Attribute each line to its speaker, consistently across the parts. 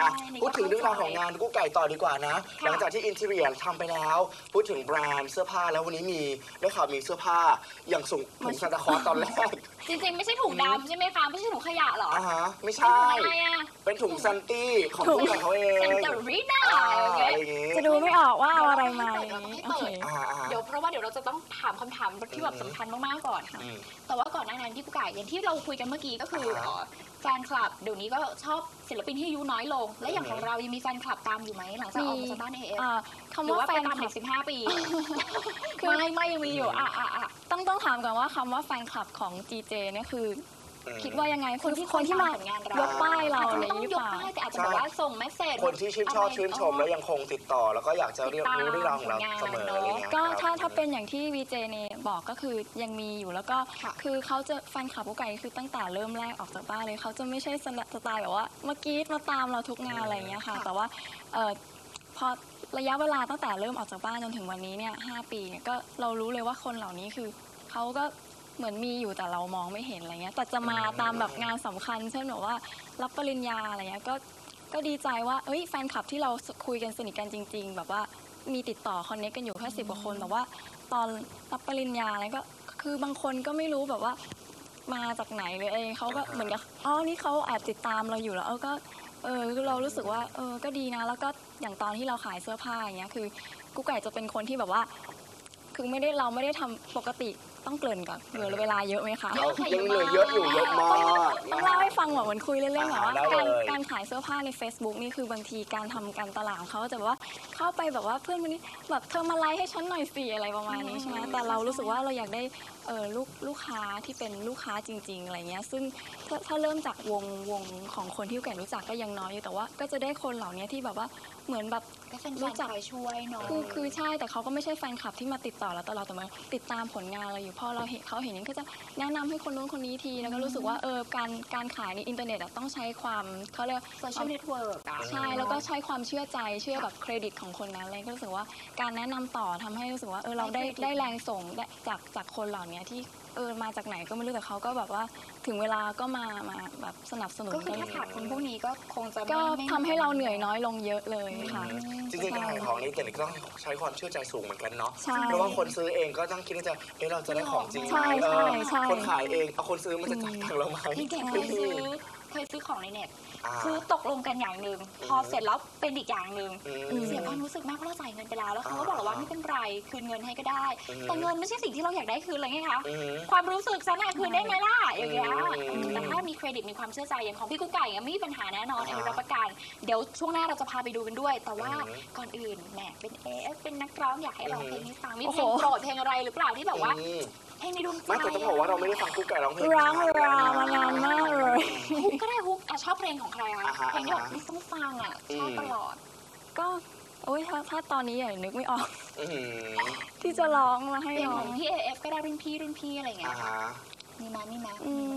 Speaker 1: พูดถึงเรื่องราวของงานกุ๊กไก่ต่อดีกว่านะหลังจากที่อินทีเรียทำไปแล้วพูดถึงแบรนด์เสื้อผ้าแล้ววันนี้มีได้ข่าวมีเสื้อผ้าอย่างถุงซานตาคลอสตอนแรก
Speaker 2: จริงๆไม่ใช่ถุงดำใช่ไหมคะไม่ใช่ถุงขยะหรอ
Speaker 1: ไม่ใช่เป็นถุงซันตี้ของกุ๊กไก่เขาเอง
Speaker 2: เซนเตอรีน่า
Speaker 3: จะดูไม่ออกว่าเอาอะไรมา
Speaker 2: เดี๋ยวเพราะว่าเดี๋ยวเราจะต้องถามคำถามที่แบบสำคัญมากๆก่อนค่ะแต่ว่าก่อนหน้านั้นที่กุ๊กไก่อย่างที่เราคุยกันเมื่อกี้ก็คือแฟนคลับเดี๋ยวนี้ก็ชอบศิลปินที่อายุน้อยลงและอย่างของเรายังมีแฟนคลับตามอยู่ไหมหลังจากออกมาจากบ้าน AF
Speaker 3: คำว่าแฟนคลับ
Speaker 2: เด็ก15 ปีไม่ยังมีอยู่
Speaker 3: ต้องถามก่อนว่าคำว่าแฟนคลับของ GJ เนี่ยคือคิดว่ายังไงคนที่มายกป้ายเราอะไรอย่างเงี้ย
Speaker 2: แต่อาจจะบอกว่าส่งเมสเซจ
Speaker 1: คนที่ชื่นชอบชื่นชมแล้วยังคงติดต่อแล้วก็อยากจะเรียนรู้เรื่องราวของเราเสมออะไรเงี้ย
Speaker 3: ก็ถ้าเป็นอย่างที่ VJ เนี่ยบอกก็คือยังมีอยู่แล้วก็คือเขาจะแฟนคลับกุ๊กไก่คือตั้งแต่เริ่มแรกออกจากบ้านเลยเขาจะไม่ใช่สไตล์แบบว่าเมื่อกี้มาตามเราทุกงานอะไรอย่างเงี้ยค่ะแต่ว่าพอระยะเวลาตั้งแต่เริ่มออกจากบ้านจนถึงวันนี้เนี่ย5 ปีเนี่ยก็เรารู้เลยว่าคนเหล่านี้คือเขาก็เหมือนมีอยู่แต่เรามองไม่เห็นอะไรเงี้ยแต่จะมาตามแบบงานสำคัญเช่นแบบว่ารับปริญญาอะไรเงี้ยก็ดีใจว่าแฟนคลับที่เราคุยกันสนิทกันจริงๆแบบว่ามีติดต่อคอนเนคกันอยู่แค่10 กว่าคนแต่ว่าตอนรับปริญญาอะไรก็คือบางคนก็ไม่รู้แบบว่ามาจากไหนเลยเขาก็เหมือนกับนี่เขาแอบติดตามเราอยู่แล้วก็เรารู้สึกว่าก็ดีนะแล้วก็อย่างตอนที่เราขายเสื้อผ้าอย่างเงี้ยคือกุ๊กไก่จะเป็นคนที่แบบว่าคือเราไม่ได้ทำปกติต้องเกริ่นก่อนเหลือเวลาเยอะไหมคะ
Speaker 1: ยังเหลือเยอะอยู่เยอะมาก
Speaker 3: ต้องเล่าให้ฟังแบบเหมือนคุยเล่นๆแบบว่าการขายเสื้อผ้าใน Facebook นี่คือบางทีการทำการตลาดเขาจะแบบว่าเข้าไปแบบว่าเพื่อนคนนี้แบบเธอมาไลค์ให้ฉันหน่อยสิอะไรประมาณนี้ใช่ไหมแต่เรารู้สึกว่าเราอยากได้ลูกค้าที่เป็นลูกค้าจริงๆอะไรเงี้ยซึ่งถ้าเริ่มจากวงของคนที่แก่รู้จักก็ยังน้อยอยู่แต่ว่าก็จะได้คนเหล่านี้ที่แบบว่าเหมือนแบบ
Speaker 2: รู้จักช่วยเนาะ
Speaker 3: คือใช่แต่เขาก็ไม่ใช่แฟนคลับที่มาติดต่อเราตลอดแต่มาติดตามผลงานเราอยู่พอเขาเห็นนี่ก็จะแนะนำให้คนนู้นคนนี้ทีแล้วก็รู้สึกว่าการขายในอินเทอร์เน็ตต้องใช้ความเขาเรียก
Speaker 2: โซเชียลเน็ตเวิร์ก
Speaker 3: ใช่แล้วก็ใช้ความเชื่อใจเชื่อแบบเครดิตของคนนั้นเลยก็รู้สึกว่าการแนะนำต่อทำให้รู้สึกว่าเราได้แรงส่งจากคนเหล่านี้ที่มาจากไหนก็ไม่รู้แต่เขาก็แบบว่าถึงเวลาก็มาแบบสนับสนุน
Speaker 2: ก็คือถ้าขาดคนพวกนี้ก็คงจะ
Speaker 3: ก็ทำให้เราเหนื่อยน้อยลงเยอะเลยค่ะ
Speaker 1: จริงๆการขายของนี้แต่ก็ต้องใช้ความเชื่อใจสูงเหมือนกันเนาะเพราะว่าคนซื้อเองก็ต้องคิดว่าเราจะได้ของจริงคนขายเองคนซื้อมันจะจ่ายตังค์เราไหม
Speaker 2: เคยซื้อของในเน็ตซื้อตกลงกันอย่างหนึ่งพอเสร็จแล้วเป็นอีกอย่างหนึ่งเสียความรู้สึกมากเพราะเราจ่ายเงินไปแล้วเขาก็บอกว่าไม่เป็นไรคืนเงินให้ก็ได้แต่เงินไม่ใช่สิ่งที่เราอยากได้คืนเลยไงคะความรู้สึกฉันคืนได้ไหมล่ะอย่างเงี้ยแต่ถ้ามีเครดิตมีความเชื่อใจอย่างของพี่กุ๊กไก่ไม่มีปัญหาแน่นอนรับประกันเดี๋ยวช่วงหน้าเราจะพาไปดูกันด้วยแต่ว่าก่อนอื่นแหมเป็นAFเป็นนักร้องอยากให้ร้องเพลงให้ฟังมีเพลงโปรดเพลงอะไรหรือเปล่าที่แบบว่าเพลงในดวงใจ
Speaker 1: ไม่แต่ต้องบอกว่าเราไม่ได้ฟังกุ๊กไก่ร้องเพลง
Speaker 3: ร้องมานานมากเลย
Speaker 2: ฮุกก็ได้ฮุกชอบเพลงของใครคะเพลงที่แบบต้องฟังชอบตลอด
Speaker 3: ก็ถ้าตอนนี้อย่างนึกไม่ออกที่จะร้องมาให้
Speaker 2: ร้องที่ AF ก็ได้รุ่นพี่อะไรเงี้ยมีมา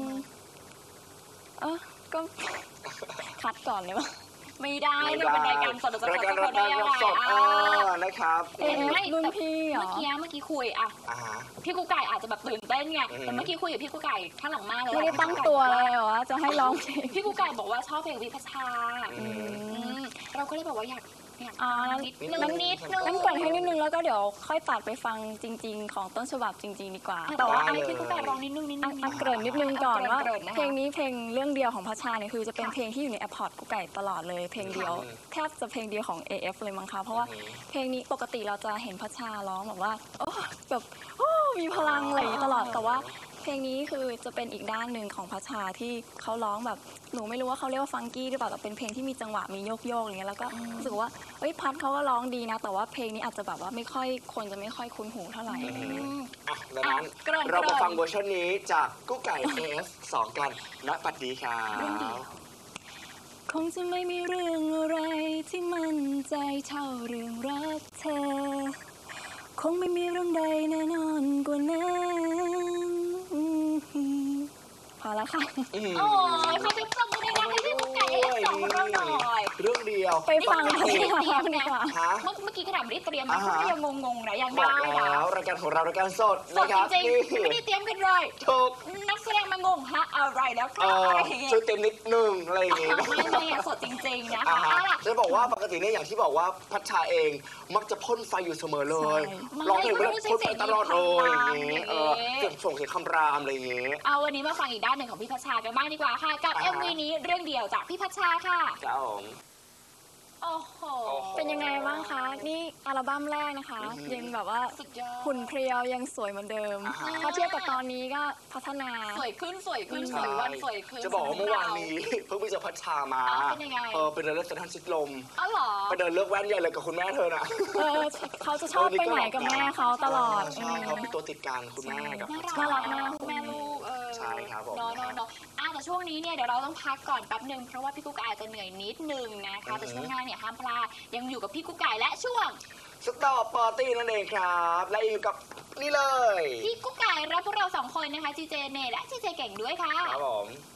Speaker 3: ก็คัดก่อนเลยว่า
Speaker 2: ไม่ได้เนี่ยเป็นรายการสดจะคัดเขาได้ยังไง
Speaker 1: นะครับ
Speaker 3: รุ่นพี่เหรอ
Speaker 2: เมื่อกี้คุยพี่กุ๊กไก่อาจจะแบบตื่นเต้นไงแต่เมื่อกี้คุยกับพี่กุ๊กไก่ข้างหลังมากเลย
Speaker 3: ไม่ได้ตั้งตัวเลยเหรอจะให้ร้องเพลง
Speaker 2: พี่กุ๊กไก่บอกว่าชอบเพลงวิภาชาเราก็เลยบอกว่าอยากนิดนึง
Speaker 3: งั้นก่อนให้นิดนึงแล้วก็เดี๋ยวค่อยตัดไปฟังจริงๆของต้นฉบับจริงๆดีกว่า
Speaker 2: แต่ว่าพี่กุ๊กไก่ร้องนิดนึง
Speaker 3: เกริ่นนิดนึงก่อนว่าเพลงนี้เพลงเรื่องเดียวของพัชชาเนี่ยคือจะเป็นเพลงที่อยู่ในแอปพอร์ตกุ๊กไก่ตลอดเลยเพลงเดียวแทบจะเพลงเดียวของ AF เลยมั้งคะเพราะว่าเพลงนี้ปกติเราจะเห็นพัชชาร้องแบบว่าแบบมีพลังอะไรตลอดแต่ว่าเพลงนี้คือจะเป็นอีกด้านหนึ่งของพัชชาที่เขาร้องแบบหนูไม่รู้ว่าเขาเรียกว่าฟังกี้หรือเปล่าแต่เป็นเพลงที่มีจังหวะมีโยกอย่างเงี้ยแล้วก็รู้สึกว่าพัชเขาก็ร้องดีนะแต่ว่าเพลงนี้อาจจะแบบว่าคนจะไม่ค่อยคุ้นหูเท่าไหร่
Speaker 1: ดังนั้นเรามาฟังเวอร์ชันนี้จากกุ๊กไก่ AF2 กันณปัจจุบัน
Speaker 3: คงจะไม่มีเรื่องอะไรที่มั่นใจเท่าเรื่องรักเธอคงไม่มีเรื่องใดแน่นอนกว่านั้นพอแล้วค่ะ
Speaker 2: โอ้ยเขาจะปรบมือดังๆให้พี่กุ๊กไก่
Speaker 1: ด้วย
Speaker 2: สองเรื่องหน่อย
Speaker 1: เรื่องเดียว
Speaker 3: ไปฟัง
Speaker 2: นี่
Speaker 3: ที่
Speaker 2: ไม่ได้เตรียม
Speaker 3: ดี
Speaker 2: นะ
Speaker 3: กว่า
Speaker 1: ฮะ
Speaker 2: เมื่อกี้ขนาดไม่ได้เตรียมนะ
Speaker 1: อ่าฮะ
Speaker 2: ก็ยังงงๆนะยัง
Speaker 1: บอ
Speaker 2: ได้
Speaker 1: ก
Speaker 2: นะ
Speaker 1: แล้วรายการของเรารายการสด
Speaker 2: สด
Speaker 1: นะครับ
Speaker 2: จริง
Speaker 1: นี่
Speaker 2: ๆไม่ได้เตรียมกันเลย
Speaker 1: ถูก
Speaker 2: นักแสดงมางงฮะอะไรแล้วค
Speaker 1: เอ
Speaker 2: รับ
Speaker 1: อ
Speaker 2: อะไรอย่างเงี้ย
Speaker 1: ช่วยเต็มนิดนึงอะไรอย่างงี้
Speaker 2: ไม่อะสดจริงๆนะ
Speaker 1: อ่า
Speaker 2: คะ
Speaker 1: ฮะ
Speaker 2: เอาล่ะ
Speaker 1: จะบอกว่าปกติเนี่ยอย่างที่บอกว่าพัชชาเองมักจะพ่นไฟอยู่เสมอเลย
Speaker 3: ใช่
Speaker 1: ร้องเพลงไปแล้ว
Speaker 2: ไม่ใช่
Speaker 1: พ่นไฟตลอดเลยอย่าง
Speaker 2: เสียง
Speaker 1: งี้
Speaker 2: ดี
Speaker 1: เออเสียงส่งเสียงคำรามอะไรอย่างงี้
Speaker 2: เอาวันนี้มาฟังอีกด้านหนึ่งของพี่พัชชากันบ้างดีกว่าค่ะ กับ
Speaker 1: อ่าฮะ
Speaker 2: MV นี้เรื่องเดียวจากพี่พัชชาค่ะ
Speaker 1: ครับผม
Speaker 2: โอ้โห
Speaker 1: โอ้โห
Speaker 3: เป็นยังไงบ้างคะ นี่อัลบั้มแรกนะคะ
Speaker 1: อือหือ
Speaker 3: ยังแบบว่า
Speaker 2: สุดยอด
Speaker 3: หุ่นเพรียวยังสวยเหมือนเดิม
Speaker 1: อ่าฮะ
Speaker 3: ถ้าเทียบกับตอนนี้ก็พัฒนา
Speaker 2: สวยขึ้นสวยขึ้นส
Speaker 1: ใช่
Speaker 2: วยวันสวยขึ้น
Speaker 1: จะบอกว่าเมื่อวานนี้ เพิ่งไปเจอพัชชามา
Speaker 2: อ๋อเป็นยังไง
Speaker 1: ไปเดินเล่นเซ็นทรัลชิดลม
Speaker 2: อ๋อเหรอ
Speaker 1: ไปเดินเลือกแว่นใหญ่เลยกับคุณแม่เธอน่ะ
Speaker 3: เออเขาจะชอบไปไหนกับแม่เขาตลอด
Speaker 1: ใช่เขาเป็นตัวติดกันคุณแม่กับ
Speaker 2: น่ารัก
Speaker 3: น่ารักมาก
Speaker 2: แม่ลูก
Speaker 1: ใช่ครับผม
Speaker 2: เนาะแต่ช่วงนี้เนี่ยเดี๋ยวเราต้องพักก่อนแป๊บหนึ่งเพราะว่าพี่กุ๊กอาจจะเหนื่อยนิดนึงนะคะแต่ช่วงหน้าเนี่ยห้ามพลาดยังอยู่กับพี่กุ๊กไก่และช่วง
Speaker 1: สตอปปาร์ตี้นั่นเองครับ และอยู่กับนี่เลย
Speaker 2: พี่กุ๊กไก่และพวกเราสองคนนะคะจีเจเนและจีเจเก่งด้วยค่ะ
Speaker 1: ครับผม